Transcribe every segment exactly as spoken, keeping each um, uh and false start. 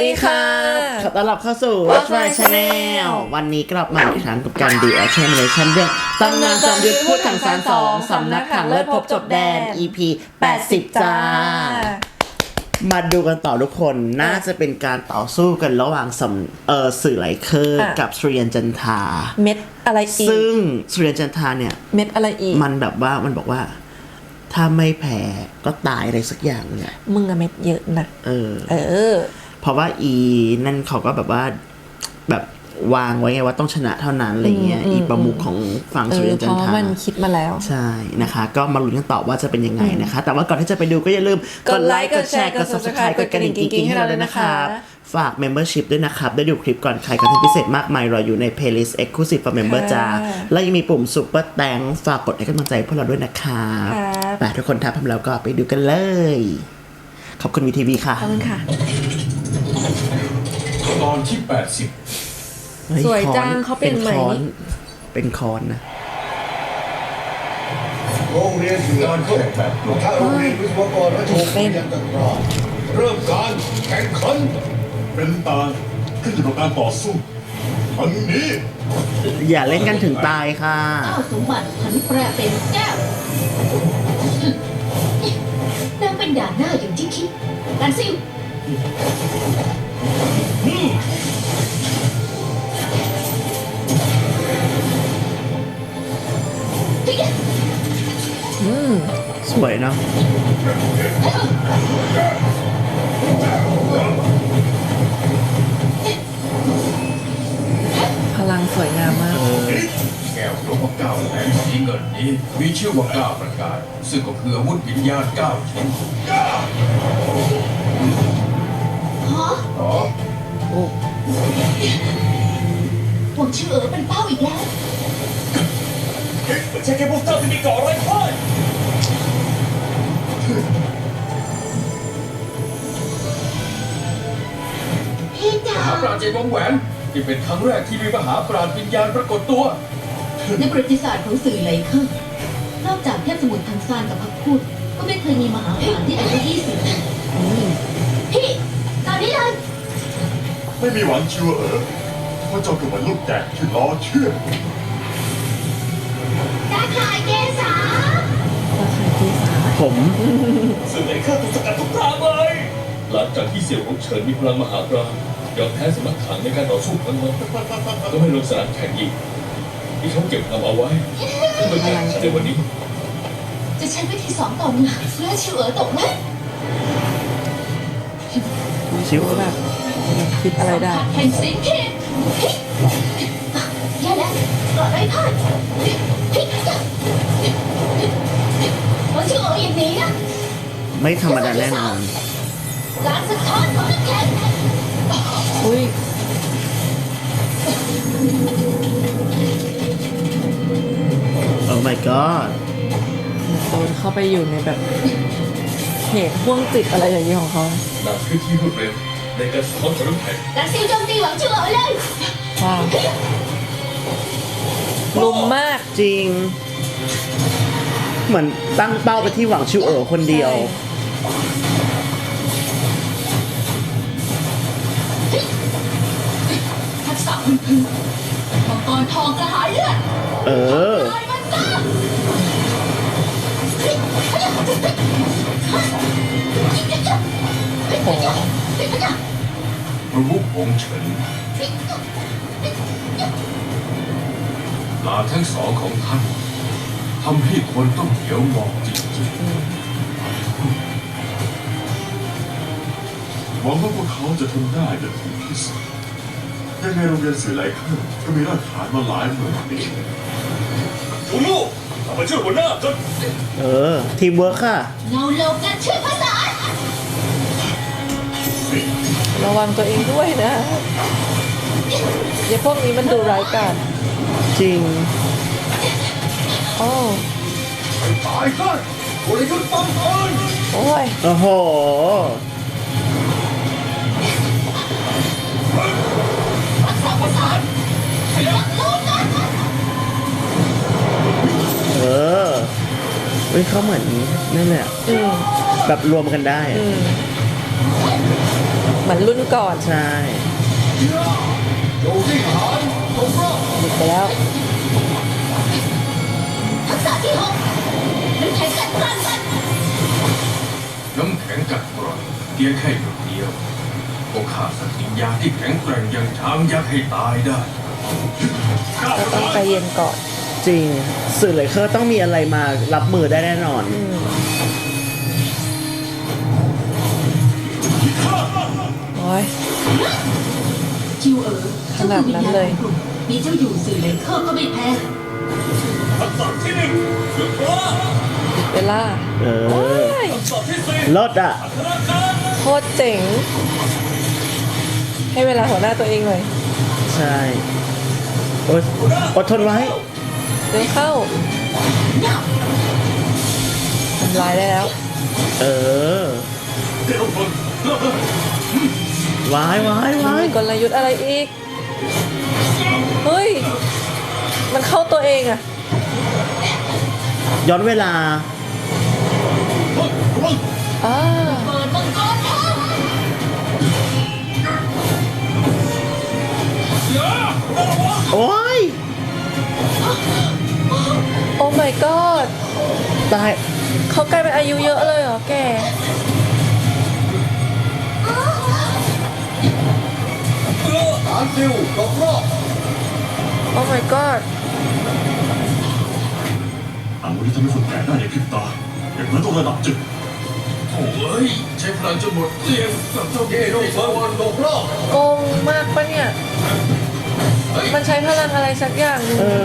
ดีค่ะขอต้อนรับเข้าสู่ Watch My Channel วันนี้กลับมาอีกครั้งกับการ Reaction Reaction เรื่องตำนานจอมยุทธพูดถังซานสองสำนักถังเลิศพบจบแดน อี พี แปดสิบ จ้ามาดูกันต่อทุกคนน่าจะเป็นการต่อสู้กันระหว่างสำเออสื่อไหลเคอร์กับสุริยันจันทราเม็ดอะไรอีกซึ่งสุริยันจันทราเนี่ยเม็ดอะไรอีกมันแบบว่ามันบอกว่าถ้าไม่แพ้ก็ตายอะไรสักอย่างเนี่ยมึงอะเม็ดเยอะนะเออเออเพราะว่าอีนั่นเขาก็แบบว่าแบบวางไว้ไงว่าต้องชนะเท่านั้นอะไรเงี้ยอีประมุขของฝั่งสุริยันจันทราเพราะมันคิดมาแล้วใช่นะคะก็มาลุ้นกันต่อว่าจะเป็นยังไงนะคะแต่ว่าก่อนที่จะไปดูก็อย่าลืมกดไลค์กดแชร์กด Subscribe กดกระดิ่งกิ๊งๆให้เราด้วยนะคะฝาก Membership ด้วยนะครับได้ดูคลิปก่อนใครคอนเทนต์พิเศษมากมายรออยู่ใน Playlist Exclusive for Member จ้าและยังมีปุ่ม Super Thanks ฝากกดให้กำลังใจพวกเราด้วยนะครับไปทุกคนถ้าพร้อมแล้วก็ไปดูกันเลยขอบคุณวีทีวีค่ะขอบคุณค่ะตอนที่แปดสิบสวยจังเขาเป็นไหมเป็นคอนนะโรงเรียนเสือเขาแบบถ้าโรงเรียนวิศวกรและโชว์เรียนต่างๆเริ่มการแข่งขันเป็นตาขึ้นอยู่กับการต่อสู้อันนี้อย่าเล่นกันถึงตายค่ะเจ้าสมบัติผันแปรเป็นแก้วนางเป็นด่านหน้าอย่างที่คิดการซิลอืมสวยเนาะพลังสวยงามมากแก้วหลวงพ่อเก้าแหลมสีเงินนี้มีชื่อว่าเก้าประการซึ่งก็คืออาวุธวิญญาณเก้าชิ้นฮะโอ้หวังชื่อเอ๋อเป็นเป้าอีกแล้วไม่ใช่แค่พวกเจ้าที่มีก่ออะไรพ่ายพี่จ๋ามหาปราณใจวงแหวนที่เป็นครั้งแรกที่มีมหาปราณวิญญาณปรากฏตัวในประวัติศาสตร์ของสื่อไหลเคอร์นอกจากเทพสมุทรทังซานกับพักพูดก็ไม่เคยมีมหาปราณที่อายุยี่สิบพี่ตอนนี้เลยไม่มีหวังชัวเอ๋อเพราะเจ้าคือมันลูกแกะที่ล้อเชื่อตาข่ายเกษาผมสื่อไหลเคอร์ถูกสกัดทุกทางเลยหลังจากที่เสี่ยวของเฉินมีพลังมหาปราณยอมแพ้สมัครขังในการต่อสู้ครั้งนั้นก็ไม่ลงสนามแข่งอีกที่เขาเก็บทำเอาไว้เพื่อแข่งขันในวันนี้จะใช้วิธีสองต่อหนึ่งเพื่อชิวเอ๋อตกไหมชิวแบบคิดอะไรได้แห่งสิงคิดแย่แล้วกอดไร้พ่ายว่าชิวเอ๋ออย่างนี้นะไม่ธรรมดาแน่นอนการสะท้อนของนักแข่งอุ้ยโอ้ my god โดนเข้าไปอยู่ในแบบเหตุห่วงจิตอะไรอย่างนี้ของเขานำพื้นที่รวดเร็วในการสะท้อนของน้ำแข็งการซิลโจมตีหวังชิวเอ๋อเลยว้าวลุมมากจริงเหมือนตั้งเป้าไปที่หวังชิวเอ๋อคนเดียวทักษะพื้นพื้นมังกรทองกระหายเลือดเออโอ้ประมุของเฉินลาทั้งสองของท่านทำให้คนต้องเหลียวมองจริงๆหวังว่าพวกเขาจะทำได้อย่างถึงที่สุดยังไงโรงเรียนสื่อไหลเคอร์ก็มีรากฐานมาหลายหมื่นปีคุณลูกเอามาช่วยหัวหน้าจนเออทีมเวิร์คค่ะเงาโลกันช่วยภาษาระวังตัวเองด้วยนะอย่าพวกนี้มันดูร้ายกาจจริงโอ้ตายกันโอ้ยยุดตั้งเอิญโอ้ยโอ้โหรักษาภาษารักโลกันเออเฮ้ยเขาเหมือนนั่นแหละแบบรวมกันได้เหมือนรุ่นก่อนใช่หยุดไปแล้วทักษะที่หกน้ำแข็งกัดกร่อนกันน้ำแข็งกัดกร่อนเพียงแค่หยดเดียวก็ฆ่าสัตว์วิญญาณที่แข็งแกร่งอย่างช้างยักษ์ให้ตายได้ก็ต้องใจเย็นก่อนจริง สื่อเลยเคอร์ต้องมีอะไรมารับมือได้แน่นอนอืมโอ้ยจิวเอ๋อขนาดนั้นเลยจ้าคือวิญญาณของกลุ่มมีเจ้าอยู่สื่อเลเคอร์ก็ไม่แพ้ทักษะที่หนึ่งหยุดว่าเวลาเอโอ้อยทักษะที่สี่ลดอ่ะธนาการโคตรเจ๋ง ให้เวลาหัวหน้าตัวเองเลยใช่โอ๊ยอดทนไว้เดินเข้าทำลายได้แล้วเออเดี๋ยวคนวายวายวายมีกลยุทธ์อะไรอีก เฮ้ย มันเข้าตัวเองอะย้อนเวลาอ่าเปิดมังกรทองโอ้ยโอ้ my god ตายเขากลายเป็นอายุเยอะเลยเหรอแกฐานซิลรอบรอบโอ้ my god อาวุธที่ทำให้คนแก่ได้ในพริบตาอย่างนั้นต้องระดับจึกโถ่เอ้ย ใช้พลังจนหมดเกลี้ยงกับเจ้าเย่โดฟวันโดรอบโกงมากปะเนี่ย มันใช้พลังอะไรสักอย่างหนึงเออ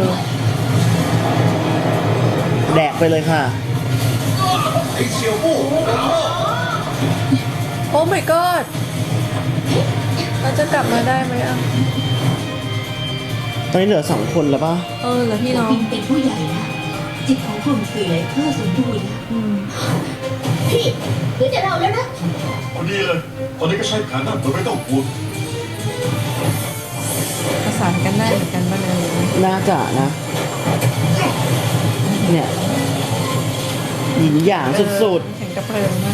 แดกไปเลยค่ะไอ้เสี่ยวมู่โดรอบโอ้ my god เราจะกลับมาได้ไหมอ่ะตอนนี้เหลือสองคนแล้วป่ะเออเหรอพี่น้องบินเป็นผู้ใหญ่นะจิตของกลุ่มสื่อเลเคอร์สมบูรณ์นะอืมพี่เหลือแต่เราแล้วนะพอดีเลยตอนนี้ก็ใช้แผนนั้นโดยไม่ต้องห่วงประสานกันได้เหมือนกันบ้างเลยน่าจะนะ เนี่ยหยินหยางสุดแข่งกระเพลิงมาก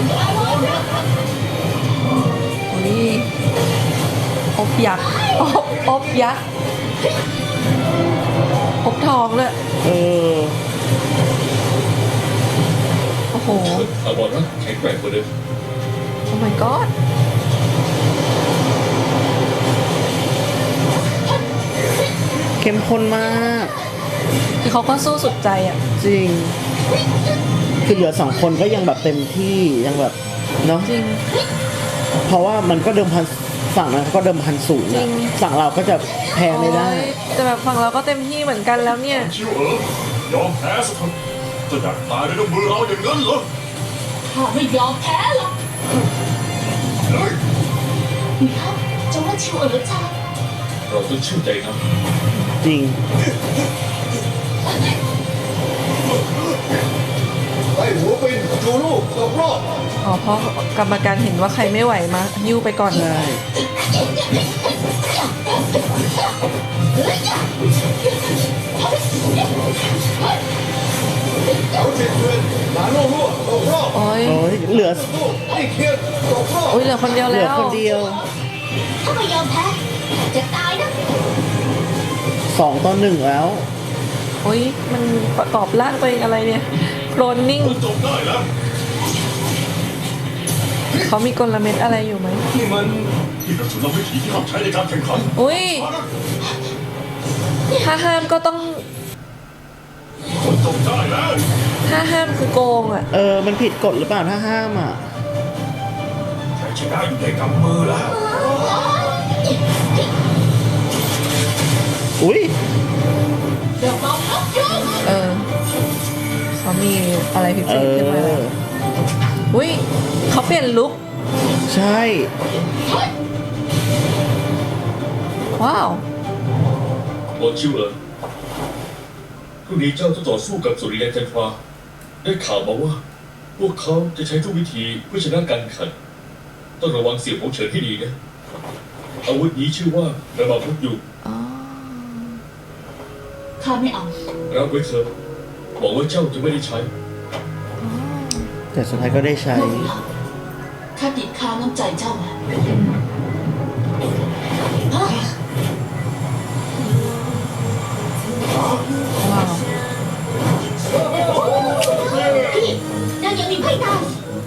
โอ้ยอบยักษ์อบอบยักษ์อบทองเลยๆ เออโอ้โหถาวรรักแข็งแกร่งกว่าเดิมโอ้ my god เข้มข้นมากคือเขาก็สู้สุดใจอ่ะจริง คือเหลือสองคนก็ยังแบบเต็มที่ยังแบบเนาะจริงเพราะว่ามันก็เดิมพันฝั่งนั้นเขาก็เดิมพันสูงจริอะงฝั่งเราก็จะแพ้ไม่ได้โอ้ยแต่แบบฝั่งเราก็เต็มที่เหมือนกันแล้วเนี่ยชิวเอ๋อยอมแพ้สักทีจะอยากตายด้วยมือเราอย่างนั้นเหรอข้าไม่ยอมแพ้หรอกเฮ้ยหรือเขาจะว่าชิวเอ๋อจ้าเราต้องเชื่อใจนะจริงไอ้หัวเป็นจูลูกรอบรอบอ๋อเพราะกรรมการเห็นว่าใครไม่ไหวมายิ้วไปก่อนใช่เอาเจ็ดเพื่อนหลานลูกลูกรอบรอบโอ้ยโอ้ยเหลือลูกไอ้เคียนรอบรอบโอ้ยเหลือคนเดียวเหลืแล้อวคนเดียวถ้าไม่ยอมแพ้จะตายนะสองต่อหนึ่งแล้วโอ้ยมันประกอบร่างตัวเองอะไรเนี่ยโคลนนิ่งจบได้แล้วเขามีกลเม็ดอะไรอยู่ไหมนี่มันที่กระสุนเราวิถีที่เราใช้ในการแข่งขันอุ้ยถ้าห้ามก็ต้องคนจบได้แล้วถ้าห้ามคือโกงอ่ะเออ มันผิดกฎหรือเปล่าถ้าห้ามอ่ะใช้ชนะอยู่ในกำมือแล้วอุ้ยเดี๋ยวเราพับยงเออเขามีอะไรพิเอเศษขึ้นมาแล้วออุ้ยเขาเปลี่ยนลุคใช่ว้าวโอชิวเอ๋อพรุ่งนี้เจ้าจะต่อสู้กับสุริยันจันทราได้ข่าวมาว่า พวกเขาจะใช้ทุกวิธีเพื่อชนะการแข่งขัน ต้องระวังเสี่ยวของเฉินให้ดีนะ อาวุธนี้ชื่อว่าระบาดพุทธยุงอ๋อข้าไม่เอารับไว้เถอะหวังว่าเจ้าจะไม่ได้ใช้อ๋อแต่สุดท้ายก็ได้ใช้พวกเราข้าติดค้างน้ำใจเจ้ามาฮะว้าวพี่นางยังมีไพ่ตาย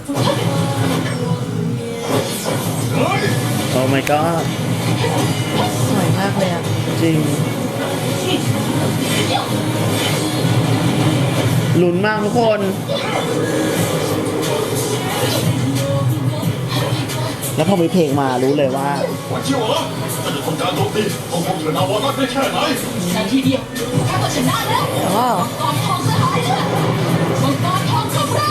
โอ้ my god สวยมากเลยอ่ะจริงลุ้นมากทุกคน แล้วพอมีเพลงมารู้เลยว่าหวังเชี่ยวเหรอถ้าจะทำการโจมตีต้องคงเถิดนาวานัดได้แค่ไหนนาทีเดียวข้าก็ชนะแล้วว้าวมังกรทองสหายเลือดมังกรทองคำราม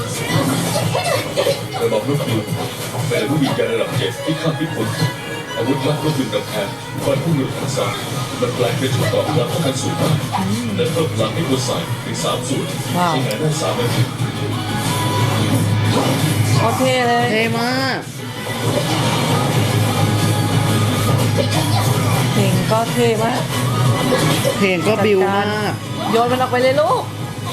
ระบบลูกคือเป็นผู้ยิงยาระดับเจ็ดที่ข้ามพิภพอาวุธลับก็คือกำแพงฟันผู้มือทันซามันแปลงเป็นชุดต่อพลังป้องกันสูงมากและเพิ่มพลังให้ตัวใส่ถึงสามสูตรใช้งานได้สามนาทีโอเคเลยเท่มากเพลงก็เท่มากเพลงก็บิวมากโยนมันออกไปเลยลูก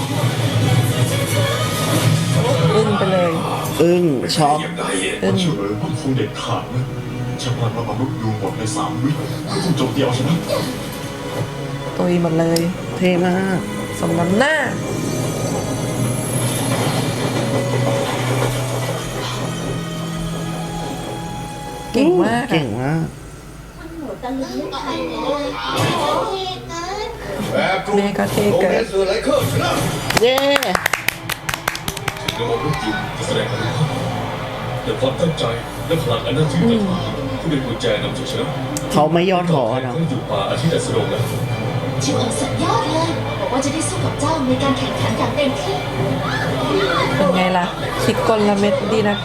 อึ้งไปเลยอึ้งช็อกยังไงอึ้งเฉลยมันคงเด็ดขาดนะชาวบ้านเราบรรลุยูหมดในสามวิก็คงจบเดียวใช่ไหมตุยหมดเลยเท่มากสมน้ำหน้า เก่งมากเก่อะงมากตะลึงอะไรเนี่ยแบบกลุ่มแม่ก็เท่เกินเสือไรเคอร์ชนะเย้ถึงระบบลูกจิ๋วจะแสดงอนุภาพแต่ความตั้งใจและพลังอันน่าทึ่งต่างหากที่เป็นกุญแจนำชัยชนะเขาไม่ย่อท้อนะเขาอยู่ป่าอาทิตย์อัสดงแล้วชิวเอ๋อสุดยอดเลยบอกว่าจะได้สู้กับเจ้าในการแข่งขันอย่างเต็มที่เป็นไงล่ะ คิดกลเม็ดดีนะ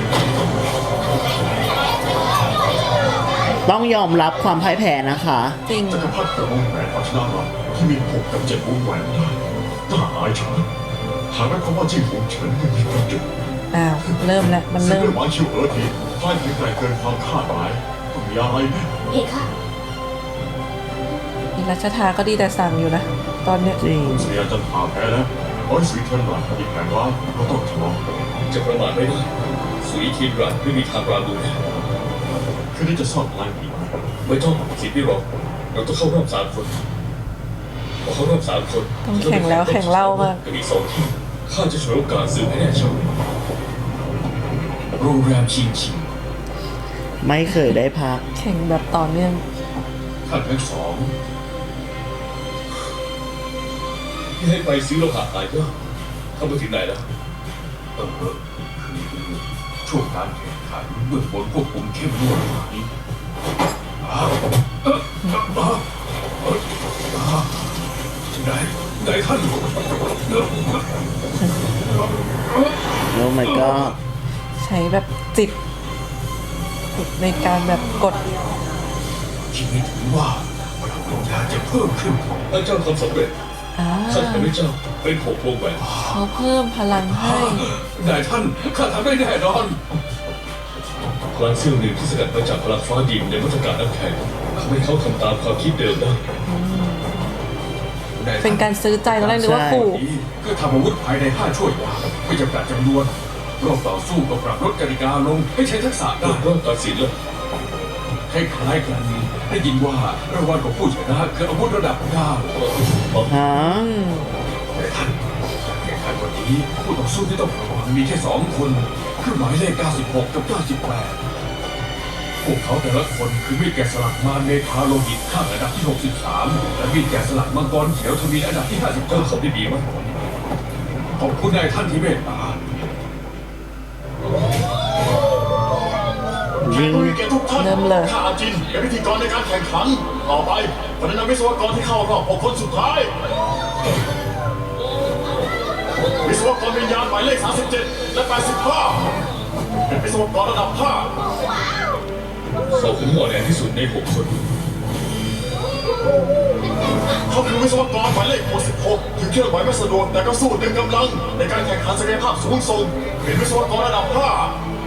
ต้องยอมรับความพ่ายแพ้นะคะจริงจักรพรรดิกระวงแหวนเอาชนะเราที่มีหกกับเจ็ดวงแหวนได้ถ้าหายชนะหากไม่ความว่าจิ้งหงเฉินยังมีประโยชน์อ้าว เริ่มแล้ว มันซึ่งเริ่มเรื่องหวานชิวเอ๋อทีพ่ายแข็งแกร่งเกินความคาดหมายต้องมีอะไรแน่เพคะอีรัชทาก็ดีแต่สั่งอยู่นะ ตอนเนี้ยจริงคุณเสียจันทราแพ้แล้วร้อยสีเทียนหลังอีกแผงร้ายก็ต้องชนะจะประมาทไม่ได้สุยทีนรันไม่มีทางราบูแน่คืนนี้จะซ่อนพลังอีกไหมไม่ต้องสิพี่รองเราต้องเข้ารอบสามคนพอเข้ารอบสามคนต้องแข่งแล้วแข่งเล่ามากกับอีกสองทีมข้าจะฉวยโอกาสซื้อให้แน่ชัดโรงแรมชิงชิงไม่เคยได้พักแข่งแบบต่อเนื่องท่านทั้งสองที่ให้ไปซื้อโลหะตายก็เข้าไปถึงไหนแล้วเออคือช่วงการแข่งขันเบื้องบนควบคุมเข้มงวดกว่านี้อ้าวเอ่อเอ่อเอ่อเอ่ออ้าวไหนไหนท่านเอ่อโอ้ my god ใช้แบบจิตจิตในการแบบกดคิดไม่ถึงว่าพลังของยาจะเพิ่มขึ้นถ้าเจ้าทำสำเร็จอ่าข้าจะให้เจ้าเป็นหกวงแหวนเขาเพิ่มพลังให้นายท่านข้าทำได้แน่นอนพลังเซี่ยวหนึ่งที่สกัดมาจากพลังฟ้าดินในมาตรการนักแข่งทำให้เขาทำตามความคิดเดิมได้นายท่เป็นการซื้อใจตอนแรกนึกว่าขู่นี้ก็ทำอาวุธภายในห้าช่วยยาไม่จำกัดจำนวนรอบต่อสู้ก็ปรับลดกติกาลงให้ใช้ทักษะรอได้บรอบตัดสินแล้วคล้ายๆกันได้ยินว่ารางวัลของผู้ชนะคืออาวุธระดับเก้าฮะอืมแต่ท่านการแข่งขันวันนี้ผู้ต่อสู้ที่ต้องระวังมีแค่สองคนคือหมายเลขเก้าสิบหกกับเก้าสิบแปดพวกเขาแต่ละคนคือมีดแกะสลักมารเมธาโลหิตข้างอันดับที่หกสิบสามและมีดแกะสลักมังกรเขียวทวีอันดับที่ห้าสิบเจ้าเก้าทำได้ดีมากขอบคุณนายท่านที่เมตตายิงผู้มีเกียรติทุกท่านเริ่มเลยข้าอาจินเป็นพิธีกรในการแข่งขัน ต่อไปคนแนะนำวิศวกรที่เข้ารอบหกคนสุดท้าย วิศวกรวิญญาณหมายเลขสามสิบเจ็ดและแปดสิบห้าเป็นวิศวกรระดับห้าเขาคือหมอแดงที่สุดในหกคน เขาคือวิศวกรหมายเลขหกสิบหกถึงเคลื่อนไหวไม่สะดวกแต่ก็สู้เต็มกำลัง ในการแข่งขันศักยภาพสูงส่งเป็นวิศวกรระดับห้า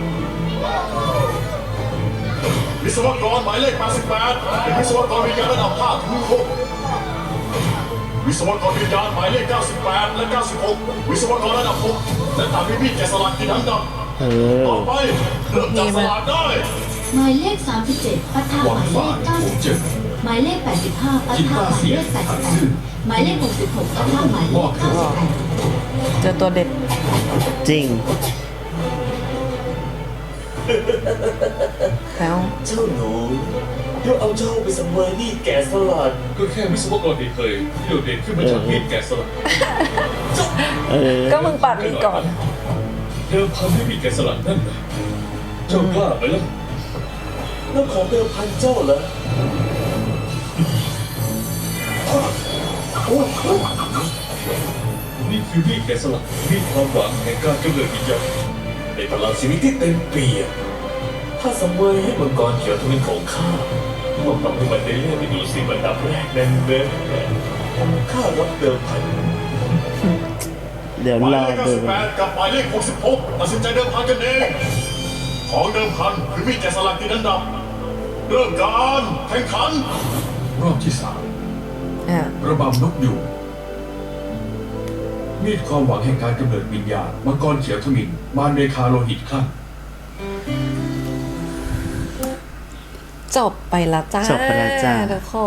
วิศวกรหมายเลขแปดสิบแปดเป็นวิศวกรวิญญาณระดับห้าถึงหกวิศวกรวิญญาณหมายเลขเก้าสิบแปดและเก้าสิบหกวิศวกรระดับหกและตามมีมีดแกะสลักที่ทั้งดำเออต่อไปเริ่มจับสลากได้หมายเลขสามสิบเจ็ดปะทะหวัหงมายเลฝาขนเก้าผสิมบเจ็บหมายเลขแปดสิบห้าปะจินทะต้าหมายเสียเลขแปดถัสิงบแปซื่ดอหมายเลขหกสิบหกปะทะหมายเลขเก้าสิบแปดเจอตัวเด็ดจริงแล้วเจ้าหนูเดี๋ยวเอาเจ้าไปสังเวยนี่แกะสลัดก็แค่วิศวกรเฉยๆที่โดดเด่นขึ้นมาจากมีดแกะสลักเออก็มึงปัดมีก่อนเดิมพันให้มีดแกะสลักนั่นนะเจ้ากล้าไหมล่ะแล้วของเดิมพันเจ้าเหรอนี่คือมีดแกะสลักมีดความหวังแห่งการกำเนิดวิญญาณในพลังชีวิตที่เต็มเปี่ยมถ้าสังเวยให้มังกรเขียวทวินของข้าต้องทำให้มันได้เลื่อนไปดูสิมันดับแรกแน่แน่ข้ารับเดิมพันเดี๋ยวหมายรอเลขดูเก้าสิบแปดกับหมายเลขหกสิบหกตัดสินใจเดิมพันกันเองของเดิมพันคือมีดแกะสลักที่นั้นดับเริ่มการแข่งขันรอบที่สามอ่ะระบำนกยูงมีดความหวังแห่งการกำเนิดวิญญาณมังกรเขียวทมินมารเนคาโลหิตคลั่งจบไปและจ้าจบไปแล้วจ้าทุกคน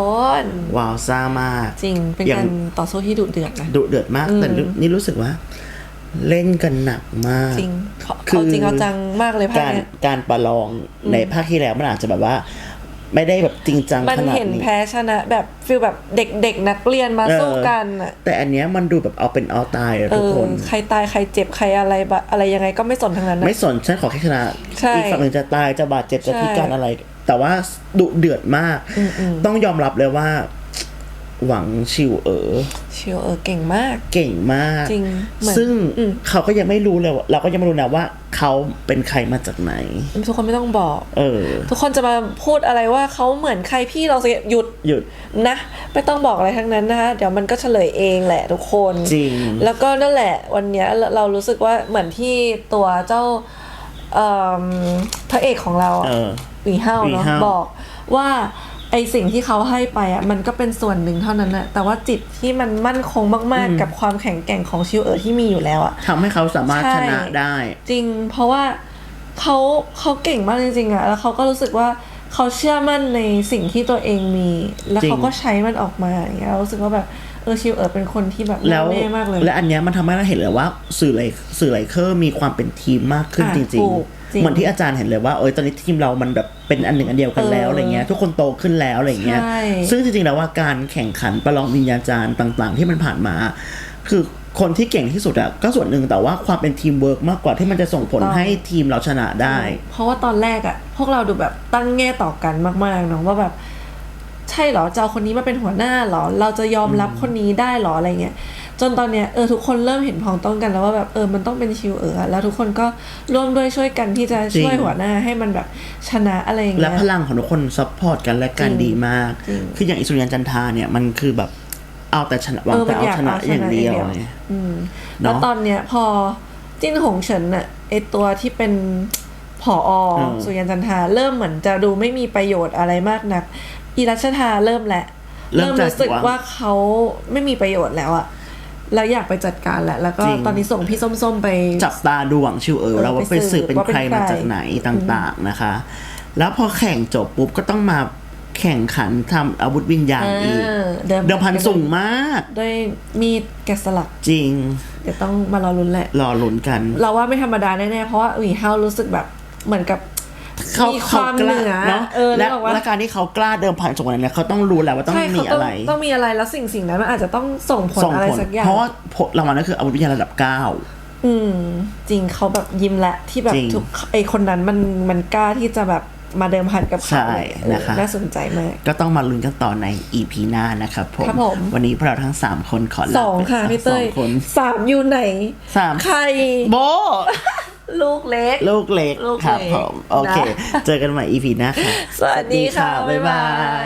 ว้าวซ่ามากจริงเป็นอย่าการต่อสู้ที่ดุเดือดนะดุเดือดมากอืมแต่นี่รู้สึกว่า เล่นกันหนักมากจริงเขาคือเอาจริงเอาจังมากเลยภาคการเนี้ยการประลองในภาคที่แล้วมันอาจจะแบบว่า ไม่ได้แบบจริงจังมันขนาดเห็นนี้แพ้ชนะแบบฟีลแบบเด็กๆนักเรียนมาเออสู้กันอ่ะแต่อันเนี้ยมันดูแบบเอาเป็นเอาตายอะเอทุกอคนใครตายใครเจ็บใครอะไรบะอะไรยังไงก็ไม่สนทั้งนั้นนะไม่สนฉันขอแค่ชนะใช่อีกฝั่งหนึ่งจะตายจะบาดเจ็บจะใช่พิการอะไร แต่ว่าดุเดือดมาก ต้องยอมรับเลยว่า หวังชิวเอ๋อชิวเออเก่งมากเก่งมากจริงเหมือนซึ่งอืมเขาก็ยังไม่รู้เลยว่าเราก็ยังไม่รู้นะว่าเขาเป็นใครมาจากไหนทุกคนไม่ต้องบอกเออทุกคนจะมาพูดอะไรว่าเขาเหมือนใครพี่เราจะหยุดหยุดนะไม่ต้องบอกอะไรทั้งนั้นนะคะเดี๋ยวมันก็เฉลยเองแหละทุกคนจริงแล้วก็นั่นแหละวันเนี้ยเราเรารู้สึกว่าเหมือนที่ตัวเจ้าเอ่อพระเอกของเราอะเออหวีเฮาหวีเนาะเฮาบอกว่าไอสิ่งที่เขาให้ไปอ่ะมันก็เป็นส่วนหนึ่งเท่านั้นแหละแต่ว่าจิตที่มันมั่นคงมากๆกับความแข็งแกร่งของชิวเอ๋อที่มีอยู่แล้วอ่ะทำให้เขาสามารถใช่ชนะได้จริงเพราะว่าเขาเขาเก่งมากจริงๆอะแล้วเขาก็รู้สึกว่าเขาเชื่อมั่นในสิ่งที่ตัวเองมี แล้วจริงเขาก็ใช้มันออกมาอย่างเงี้ยเรารู้สึกว่าแบบเออชิวเอ๋อเป็นคนที่แบบแล้วแน่มากเลยและอันเนี้ยมันทำให้เราเห็นเลยว่าสื่อไลสื่อไลเคอร์มีความเป็นทีมมากขึ้นอ่ะจริงถูกจริงๆเหมือนที่อาจารย์เห็นเลยว่าเออตอนนี้ทีมเรามันแบบเป็นอันหนึ่งอันเดียวกันแล้วเออออะไรเงี้ยทุกคนโตขึ้นแล้วอะไรเงี้ยใช่ซึ่งจริงๆแล้วว่าการแข่งขันประลองวิญญาจารย์ต่างๆ ที่มันผ่านมา คือคนที่เก่งที่สุดอะก็ส่วนหนึ่งแต่ว่าความเป็นทีมเวิร์กมากกว่าที่มันจะส่งผลให้ทีมเราชนะได้เพราะว่าตอนแรกอะพวกเราดูแบบตั้งแง่ต่อกันมากๆเนาะว่าแบบใช่เหรอจะเอาคนนี้มาเป็นหัวหน้าเหรอเราจะยอมรับคนนี้ได้เหรออะไรเงี้ยจนตอนเนี้ยเออทุกคนเริ่มเห็นพ้องต้องกันแล้วว่าแบบเออมันต้องเป็นชิวเออแล้วทุกคนก็ร่วมด้วยช่วยกันที่จะช่วยจริงหัวหน้าให้มันแบบชนะอะไรอย่างและเงี้ยพลังของทุกคนซัพพอร์ตกันและกันจริงดีมากจริงคืออย่างอิสุริยันจันทราเนี่ยมันคือแบบเอาแต่ชนะหวังเออแต่มันเอาอยากชนะเอาอย่างเดียวชนะอย่างเดียวเนี่ยอืมเนอะแล้วตอนเนี้ยพอจิ้นหงเฉินน่ะไอตัวที่เป็นผออเออสุริยันจันทราเริ่มเหมือนจะดูไม่มีประโยชน์อะไรมากนักอีรัชทาเริ่มแหละเริ่มจากรู้สึกว่าเขาไม่มีประโยชน์แล้วอะแล้วอยากไปจัดการแหละแล้วก็จริงตอนนี้ส่งพี่ส้มๆไปจับตาดูหวังชิวเออเออแล้วว่าไปไปสืสืบบเป็นว่าเป็นใครมาใครจากไหนต่างๆนะคะ แล้วพอแข่งจบปุ๊บก็ต้องมาแข่งขันทำอาวุธวิญญาณอีกเออเดิมเดิมพันสูงมากด้วยมีดแกะสลักจริงเดี๋ยวต้องมารอลุ้นแหละรอลุ้นกันเราว่าไม่ธรรมดาแน่ๆเพราะว่าหวีเฮารู้สึกแบบเหมือนกับเขามีความเหนือเนาะเออและนึกออกปะและการที่เขากล้าเดิมพันสูงขนาดนี้เขาต้องรู้แหละว่าต้องใช่มีเขาต้ออะงไรต้องมีอะไรแล้วสิ่งสิ่งนั้นมันอาจจะต้องส่งผลส่งอะไรผลสักอย่างเพราะว่าผลรางวัลนั่นคืออาวุธวิญญาณระดับเก้าอืมจริงเขาแบบยิ้มแหละที่แบบจริงทุกไอคนนั้นมันมันกล้าที่จะแบบมาเดิมพันกับเขาใช่เออนะคะน่าสนใจมากก็ต้องมาลุ้นกันต่อใน อี พี หน้านะครับผมครับผมวันนี้พวกเราทั้งสามคนขอลาสองไปค่ะพี่เต้ยสองคนสามอยู่ไหนสามใครโบลูกเล็กลูกเล็กลูกครับเล็กผมโอเคนะเจอกันใหม่ อี พี หน้าค่ะสวัสดีค่ะ บ๊ายบาย